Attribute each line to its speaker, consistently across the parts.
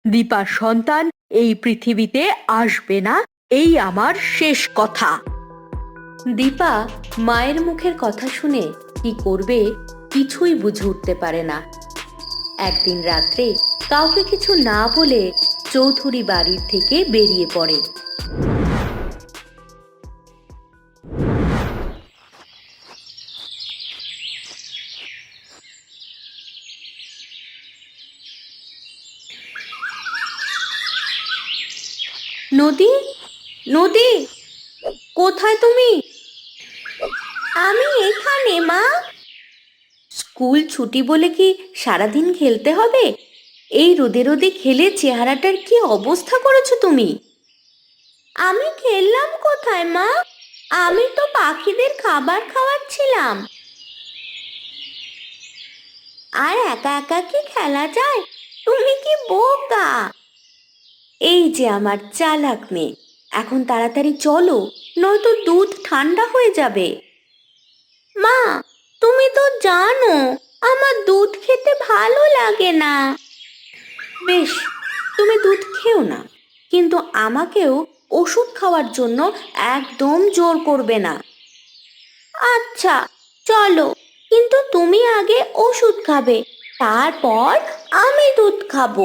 Speaker 1: দীপার সন্তান এই পৃথিবীতে আসবে না, এই আমার শেষ কথা। দীপা মায়ের মুখের কথা শুনে কি করবে কিছুই বুঝে উঠতে পারে না। একদিন রাত্রে কাউকে কিছু না বলে চৌধুরী বাড়ির থেকে বেরিয়ে পড়ে। নদী, নদী, কোথায় তুমি? আমি এখানে মা। স্কুল ছুটি বলে কি সারাদিন খেলতে হবে? এই রোদে রোদে খেলে চেহারাটার কি অবস্থা করেছো তুমি? আমি খেললাম কোথায় মা? আমি তো পাখিদের খাবার খাওয়াচ্ছিলাম। আর একা একা কি খেলা যায়? তুমি কি বোকা! এই যে আমার চালাক মেয়ে, এখন তাড়াতাড়ি চলো, নয়তো দুধ ঠান্ডা হয়ে যাবে। মা, তুমি তো জানো আমার দুধ খেতে ভালো লাগে না। বেশ, তুমি দুধ খেও না, কিন্তু আমাকেও ওষুধ খাওয়ার জন্য একদম জোর করবে না। আচ্ছা, চলো, কিন্তু তুমি আগে ওষুধ খাবে, তারপর আমি দুধ খাবো।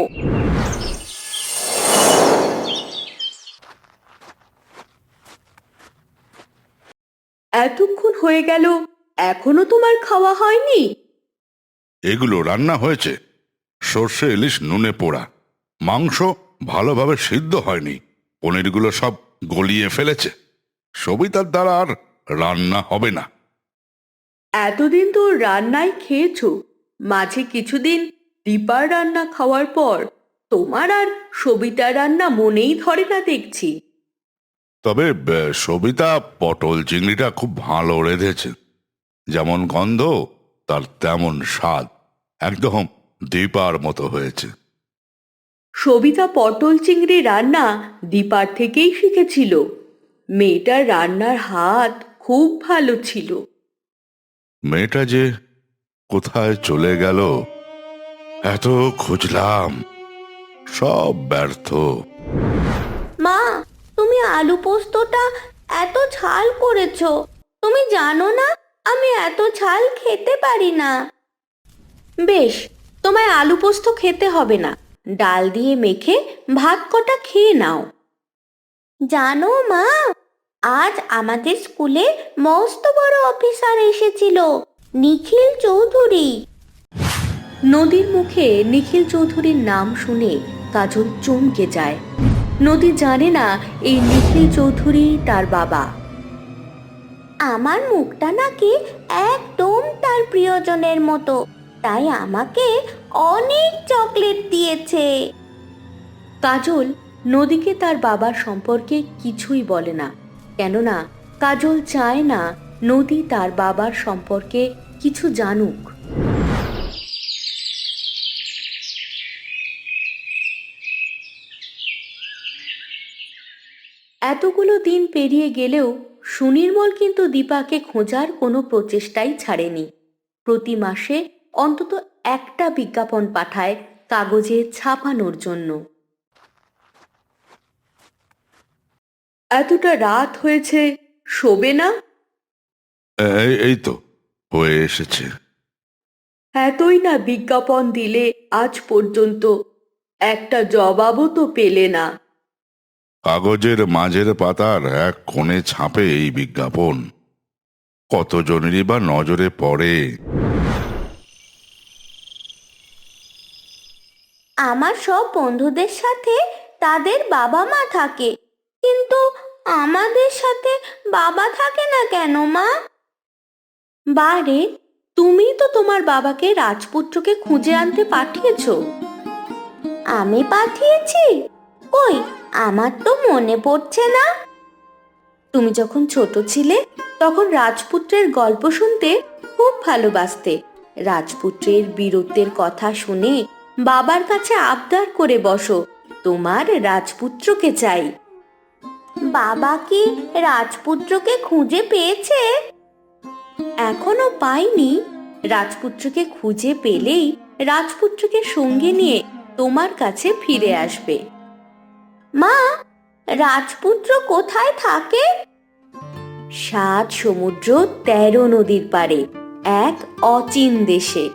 Speaker 1: এতক্ষণ হয়ে গেল, এখনো তোমার খাওয়া হয়নি?
Speaker 2: এগুলো রান্না হয়েছে, সর্ষে ইলিশ নুনে পোড়া, মাংস ভালোভাবে সিদ্ধ হয়নি, পনিরগুলো সব গলিয়ে ফেলেছে। সবিতার দ্বারা আর রান্না হবে না।
Speaker 1: এতদিন তো রান্নাই খেয়েছো, মাঝে কিছুদিন দীপার রান্না খাওয়ার পর তোমার আর সবিতার রান্না মনেই ধরে না দেখছি।
Speaker 2: তবে সবিতা পটল চিংড়িটা খুব ভালো রেঁধেছে। যেমন গন্ধ তার তেমন স্বাদ, একদম দীপার মতো হয়েছে।
Speaker 1: সবিতা পটল চিংড়ি রান্না দীপার থেকেই শিখেছিল। মেয়েটার রান্নার হাত খুব ভালো ছিল।
Speaker 2: মেয়েটা যে কোথায় চলে গেল, এত খুঁজলাম, সব ব্যর্থ।
Speaker 1: মা, তুমি আলু পোস্তটা এত ঝাল করেছো। তুমি জানো না আমি এত ঝাল খেতে পারি না। বেশ, তোমায় আলু পোস্ত খেতে হবে না, ডাল দিয়ে মেখে ভাত কটা খেয়ে নাও। জানো মা, আজ আমাদের স্কুলে মস্ত বড় অফিসার এসেছিল, নিখিল চৌধুরী। নদীর মুখে নিখিল চৌধুরীর নাম শুনে কাজল চমকে যায়। নদী জানে না এই নিখিল চৌধুরী তার বাবা। আমার মুখটা নাকি একদম তার প্রিয়জনের মতো, তাই আমাকে অনেক চকলেট দিয়েছে। কাজল নদীকে তার বাবার সম্পর্কে কিছুই বলে না, কেননা কাজল চায় না নদী তার বাবার সম্পর্কে কিছু জানুক। এতগুলো দিন পেরিয়ে গেলেও সুনির্মল কিন্তু দীপাকে খোঁজার কোনো প্রচেষ্টাই ছাড়েনি। প্রতি মাসে অন্তত একটা বিজ্ঞাপন পাঠায় কাগজে ছাপানোর জন্য। এতটা রাত হয়েছে, শোবে না?
Speaker 2: এই তো হয়ে এসেছে।
Speaker 1: এতই না বিজ্ঞাপন দিলে আজ পর্যন্ত, একটা জবাবও তো পেলে না।
Speaker 2: কাগজের মাঝের পাতার এক কোণে ছাপে এই বিজ্ঞাপন, কতজনেরই বা নজরে পড়ে।
Speaker 1: আমার সব বন্ধুদের সাথে তাদের বাবা মা থাকে, কিন্তু আমাদের সাথে বাবা থাকে না কেন মা? বারে, তুমি তো তোমার বাবাকে রাজপুত্রকে খুঁজে আনতে পাঠিয়েছো। আমি পাঠিয়েছি? কই, আমার তো মনে পড়ছে না। তুমি যখন ছোট ছিলে তখন রাজপুত্রের গল্প শুনতে খুব ভালোবাসতে। রাজপুত্রের বীরত্বের কথা শুনে বাবার কাছে আবদার করে বসো, তোমার রাজপুত্রকে চাই। বাবা কি রাজপুত্রকে খুঁজে পেয়েছে? এখনো পাইনি। রাজপুত্রকে খুঁজে পেলেই রাজপুত্রকে সঙ্গে নিয়ে তোমার কাছে ফিরে আসবে। মা, রাজপুত্র কোথায় থাকে? 7 সমুদ্র 13 নদীর পারে এক অচিন দেশে।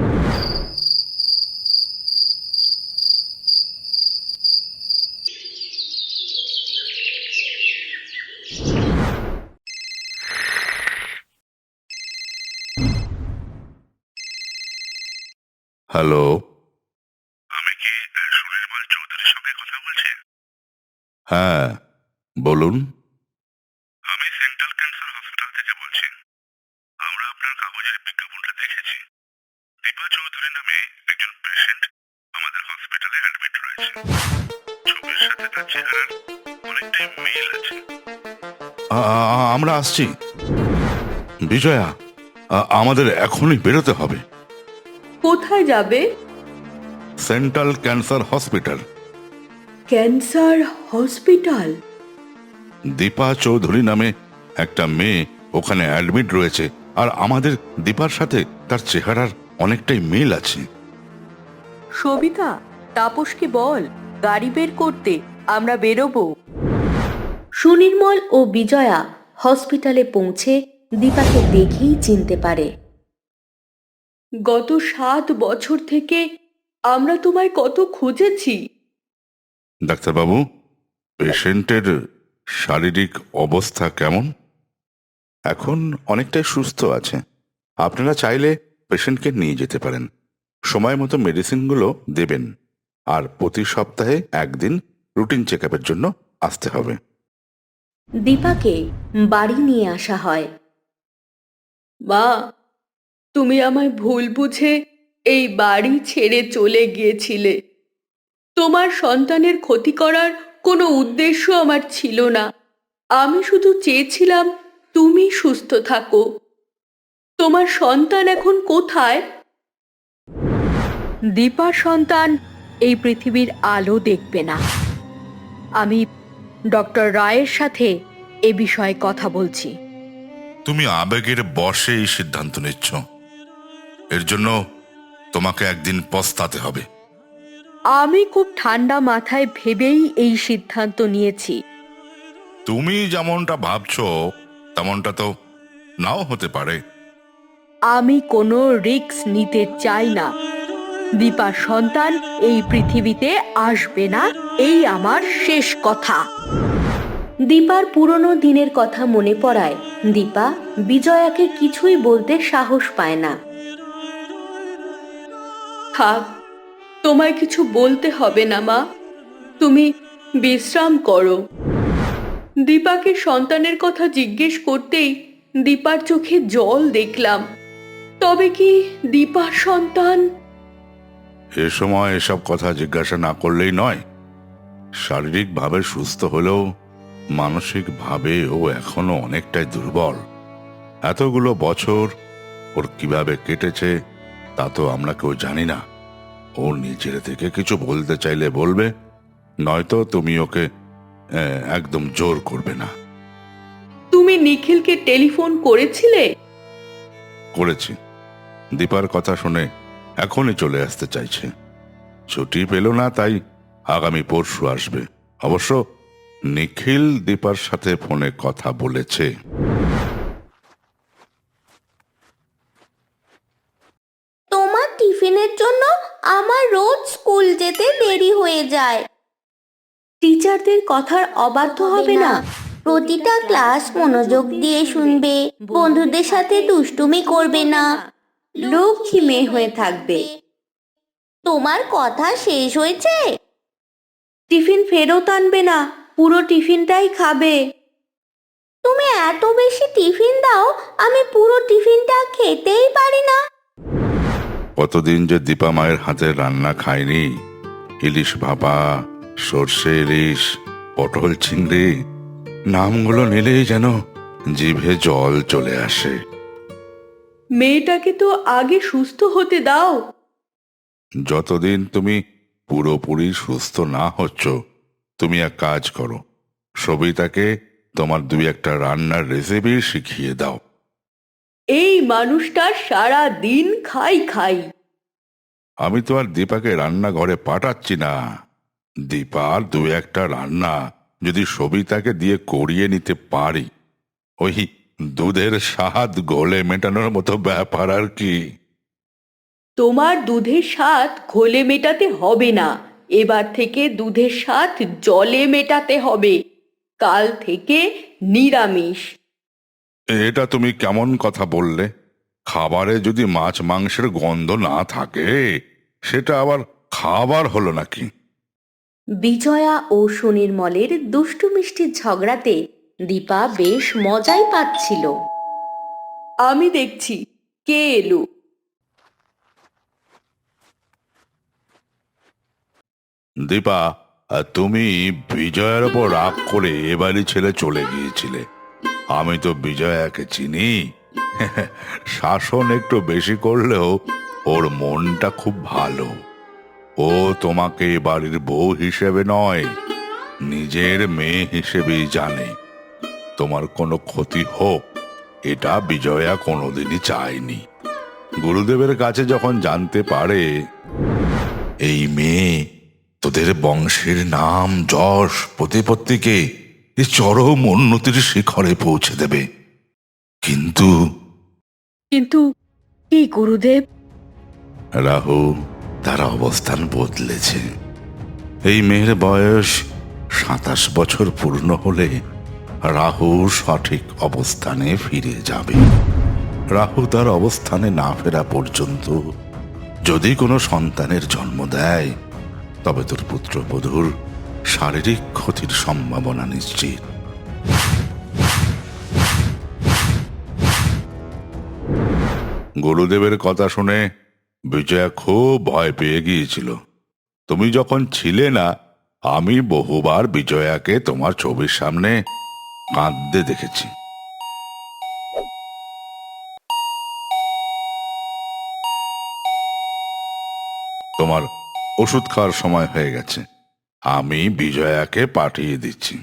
Speaker 2: হ্যালো, আমি কি সুনির্মল চৌধুরীর সঙ্গে কথা বলছি? হ্যাঁ, বলুন। আমি সেন্ট্রাল ক্যান্সার হসপিটাল থেকে বলছি। আমরা আপনার কাগজের বিজ্ঞাপনটা দেখেছি। দীপা চৌধুরী নামে একজন পেশেন্ট আমাদের হসপিটালে অ্যাডমিট রয়েছে। ছবির সাথে তার চেহারার অনেকটাই মিল আছে। আমরা আসছি। বিজয়া, আমাদের এখনই বেরোতে হবে।
Speaker 1: কোথায় যাবে?
Speaker 2: Central cancer hospital.
Speaker 1: Cancer hospital?
Speaker 2: Dipa Chowdhury নামে একটা মেয়ে ওখানে অ্যাডমিট রয়েছে, আর আমাদের দীপার সাথে তার চেহারার অনেকটাই মিল আছে।
Speaker 1: সবিতা, তাপসকে বল গাড়ি বের করতে, আমরা বেরোবো। সুনির্মল ও বিজয়া হসপিটালে পৌঁছে দীপাকে দেখেই চিনতে পারে। গত 7 বছর থেকে আমরা তোমায় কত খুঁজেছি।
Speaker 2: ডাক্তারবাবু, পেশেন্টের শারীরিক অবস্থা কেমন? এখন অনেকটাই সুস্থ আছে। আপনারা চাইলে পেশেন্টকে নিয়ে যেতে পারেন। সময় মতো মেডিসিনগুলো দেবেন, আর প্রতি সপ্তাহে একদিন রুটিন চেক আপের জন্য আসতে হবে।
Speaker 1: দীপাকে বাড়ি নিয়ে আসা হয়। মা, তুমি আমায় ভুল বুঝে এই বাড়ি ছেড়ে চলে গিয়েছিলে। তোমার সন্তানের ক্ষতি করার কোনো উদ্দেশ্য আমার ছিল না। আমি শুধু চেয়েছিলাম তুমি সুস্থ থাকো। তোমার সন্তান এখন কোথায়? দীপার সন্তান এই পৃথিবীর আলো দেখবে না। আমি ডক্টর রায়ের সাথে এ বিষয়ে কথা বলছি।
Speaker 2: তুমি আবেগের বশে এই সিদ্ধান্ত নিচ্ছ। এর জন্য তোমাকে একদিন পস্তাতে হবে।
Speaker 1: আমি খুব ঠান্ডা মাথায় ভেবেই এই সিদ্ধান্ত নিয়েছি।
Speaker 2: তুমি যেমনটা ভাবছো তেমনটা তো নাও হতে পারে।
Speaker 1: আমি কোনো রিস্ক নিতে চাই না। দীপার সন্তান এই পৃথিবীতে আসবে না, এই আমার শেষ কথা। দীপার পুরনো দিনের কথা মনে পড়ায় দীপা বিজয়াকে কিছুই বলতে সাহস পায় না। থাক, তোমায় কিছু বলতে হবে না মা, তুমি বিশ্রাম করো। দীপাকে সন্তানের কথা জিজ্ঞেস করতেই দীপার চোখে জল দেখলাম। তবে কি দীপার সন্তান?
Speaker 2: এ সময় এসব কথা জিজ্ঞাসা না করলেই নয়। শারীরিকভাবে সুস্থ হলেও মানসিকভাবে ও এখনো অনেকটাই দুর্বল। এতগুলো বছর ওর কিভাবে কেটেছে তা তো আমরা কেউ জানি না। ও নিজের থেকে কিছু বলতে চাইলে বলবে, নয়তো তুমি ওকে একদম জোর করবে না।
Speaker 1: তুমি নিখিলকে টেলিফোন করেছিলে?
Speaker 2: করেছি। দীপার কথা শুনে এখনই চলে আসতে চাইছে। ছুটি পেল না, তাই আগামী পরশু আসবে। অবশ্য নিখিল দীপার সাথে ফোনে কথা বলেছে।
Speaker 1: তোমার টিফিনের জন্য আমার রোজ স্কুল যেতে দেরি হয়ে যায়। টিচারদের কথার অবাধ্য হবে না। প্রতিটা ক্লাস মনোযোগ দিয়ে শুনবে, বন্ধুদের সাথে দুষ্টুমি করবে না, লক্ষ্মী মেয়ে হয়ে থাকবে। তোমার কথা শেষ হয়েছে? টিফিন ফেরত আনবে না, পুরো টিফিনটাই খাবে। তুমি এত বেশি টিফিন দাও, আমি পুরো টিফিনটা খেতেই পারি না।
Speaker 2: কতদিন যে দীপা মায়ের হাতের রান্না খায়নি। ইলিশ ভাপা, সর্ষে ইলিশ, পটল চিংড়ি, নামগুলো নিলেই যেন জিভে জল চলে আসে।
Speaker 1: মেয়েটাকে তো আগে সুস্থ হতে দাও।
Speaker 2: যতদিন তুমি পুরোপুরি সুস্থ না হচ্ছ, তুমি এক কাজ করো, সবিতাকে তোমার 2-1টা রান্নার রেসিপি শিখিয়ে দাও।
Speaker 1: এই মানুষটা সারা দিন খাই খাই।
Speaker 2: আমি তো আর দীপাকে রান্নাঘরে পাঠাচ্ছি না। দীপার দু একটা রান্না যদি সবিতাকে দিয়ে করিয়ে নিতে পারি, ওই দুধের স্বাদ গলে মেটানোর মতো ব্যাপার আর কি।
Speaker 1: তোমার দুধের স্বাদ ঘোলে মেটাতে হবে না, এবার থেকে দুধের স্বাদ জলে মেটাতে হবে। কাল থেকে নিরামিষ।
Speaker 2: এটা তুমি কেমন কথা বললে? খাবারে যদি মাছ মাংসের গন্ধ না থাকে, সেটা আবার খাবার হলো নাকি?
Speaker 1: বিজয়া ও সুনির্মলের দুষ্টু মিষ্টির ঝগড়াতে দীপা বেশ মজাই পাচ্ছিল। আমি দেখছি কে এলো।
Speaker 2: দীপা, তুমি বিজয়ার ওপর রাগ করে এ বাড়ি ছেড়ে চলে গিয়েছিলে। আমি তো বিজয়াকে চিনি। শাসন একটু বেশি করলেও ওর মনটা খুব ভালো। ও তোমাকে এ বাড়ির বউ হিসেবে নয়, নিজের মেয়ে হিসেবেই জানে। তোমার কোনো ক্ষতি হোক, এটা বিজয়া কোনোদিনই চায়নি। গুরুদেবের কাছে যখন জানতে পারে এই মেয়ে তোদের বংশের নাম যশ প্রতিপত্তিকে এ চরম উন্নতির শিখরে পৌঁছে দেবে। কিন্তু
Speaker 1: কিন্তু কি গুরুদেব?
Speaker 2: রাহু তার অবস্থান বদলেছে। এই মেয়ের বয়স ২৭ বছর পূর্ণ হলে রাহু সঠিক অবস্থানে ফিরে যাবে। রাহু তার অবস্থানে না ফেরা পর্যন্ত যদি কোনো সন্তানের জন্ম দেয়, তবে তোর পুত্রবধূর শারীরিক ক্ষতির সম্ভাবনা নিশ্চিত। গুরুদেবের কথা শুনে বিজয়া খুব ভয় পেয়ে গিয়েছিল। তুমি যখন ছিলে না, আমি বহুবার বিজয়াকে তোমার ছবির সামনে কাঁদতে দেখেছি। তোমার ওষুধ খাওয়ার সময় হয়ে গেছে, আমি বিজয়াকে পাঠিয়ে দিচ্ছি।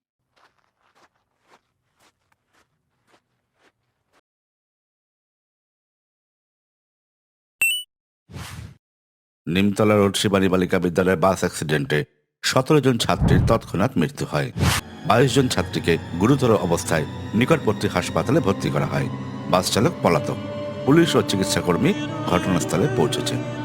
Speaker 2: নিমতলা রোড শিবানী বালিকা বিদ্যালয়ের বাস অ্যাক্সিডেন্টে ১৭ জন ছাত্রীর তৎক্ষণাৎ মৃত্যু হয়। ২২ জন ছাত্রীকে গুরুতর অবস্থায় নিকটবর্তী হাসপাতালে ভর্তি করা হয়। বাস চালক পলাতক। পুলিশ ও চিকিৎসাকর্মী ঘটনাস্থলে পৌঁছেছে।